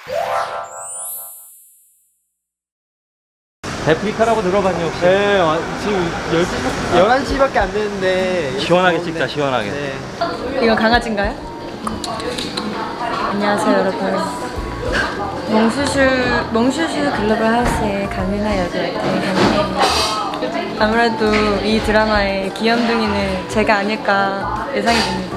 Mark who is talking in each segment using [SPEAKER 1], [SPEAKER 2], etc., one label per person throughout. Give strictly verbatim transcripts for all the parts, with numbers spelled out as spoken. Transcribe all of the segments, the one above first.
[SPEAKER 1] 데프리카라고 들어봤니 혹시?
[SPEAKER 2] 네, 와, 지금 열한 시밖에 안 됐는데
[SPEAKER 1] 시원하게
[SPEAKER 2] 더운데.
[SPEAKER 1] 찍자, 시원하게.
[SPEAKER 2] 네.
[SPEAKER 3] 이건 강아지인가요? 안녕하세요 여러분. 몽슈슈 몽슈슈 글로벌 하우스의 강민아 여주할 때 강민아입니다. 아무래도 이 드라마의 귀염둥이는 제가 아닐까 예상이 됩니다.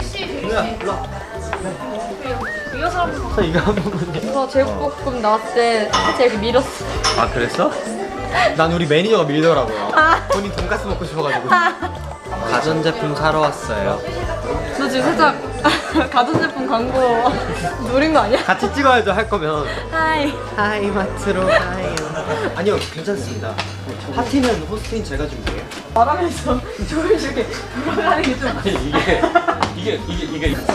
[SPEAKER 2] 저 이거 한 번만요.
[SPEAKER 3] 저 제육볶음 나왔을 때 살짝 이렇게 밀었어.
[SPEAKER 1] 아 그랬어?
[SPEAKER 2] 난 우리 매니저가 밀더라고요.
[SPEAKER 3] 아.
[SPEAKER 2] 본인 돈가스 먹고 싶어가지고. 가전제품 사러 왔어요.
[SPEAKER 3] 저 지금 살짝 가전제품 광고 노린 거 아니야?
[SPEAKER 2] 같이 찍어야죠, 할 거면.
[SPEAKER 3] 하이.
[SPEAKER 2] 하이마트로 가요. 아니요, 괜찮습니다. 파티는 호스트인 제가 준비해요.
[SPEAKER 3] 말하면서 조용히 돌아가는 게 좀.
[SPEAKER 1] 아니 이게 이게 이게 이게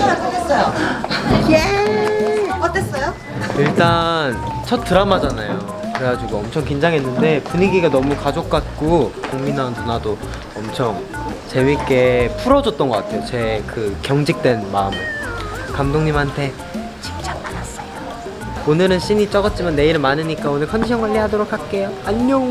[SPEAKER 2] 일단 첫 드라마잖아요. 그래가지고 엄청 긴장했는데 분위기가 너무 가족 같고 국민아 누나도 엄청 재밌게 풀어줬던 것 같아요. 제 그 경직된 마음을. 감독님한테 칭찬받았어요. 오늘은 씬이 적었지만 내일은 많으니까 오늘 컨디션 관리하도록 할게요. 안녕.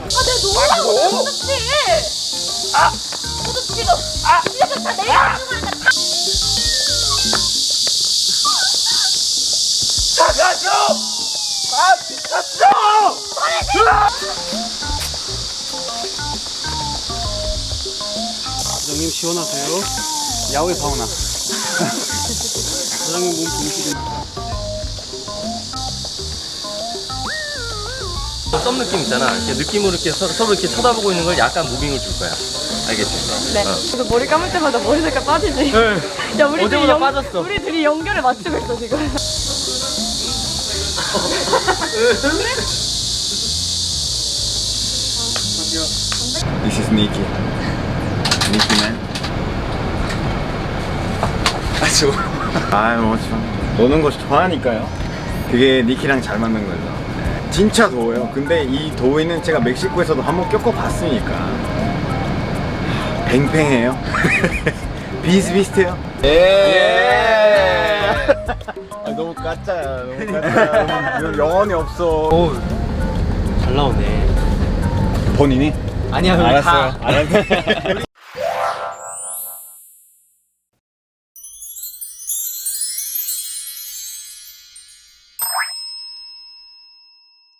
[SPEAKER 4] 사장님 시원하세요? 야외 사우나. 사장님 몸 좋으시죠?
[SPEAKER 1] 썸 느낌 있잖아. 이렇게 느낌으로 이렇게 서, 서로 이렇게 쳐다보고 있는 걸 약간 무빙을 줄 거야. 알겠지?
[SPEAKER 3] 네.
[SPEAKER 1] 어.
[SPEAKER 3] 그래서 머리 감을 때마다 머리 색깔 빠지지.
[SPEAKER 1] 네.
[SPEAKER 3] 야 우리 둘이
[SPEAKER 1] 어제보다
[SPEAKER 3] 연,
[SPEAKER 1] 빠졌어.
[SPEAKER 3] 우리 둘이 연결을 맞추고 있어 지금.
[SPEAKER 5] This is Nikki. Nikki man. 아, 좋아. 아유, 뭐, 참. 노는 거 좋아하니까요. 그게 니키랑 잘 맞는 거죠. 네. 진짜 더워요. 근데 이 더위는 제가 멕시코에서도 한번 겪어봤으니까. 팽팽해요. 비슷비슷해요. 예. 아, 너무 가짜야. 너무 가짜야. 영혼이 없어.
[SPEAKER 2] 오, 잘 나오네.
[SPEAKER 5] 본인이?
[SPEAKER 2] 아니야, 우리
[SPEAKER 5] 알았어요.
[SPEAKER 2] 다.
[SPEAKER 5] 알았어요.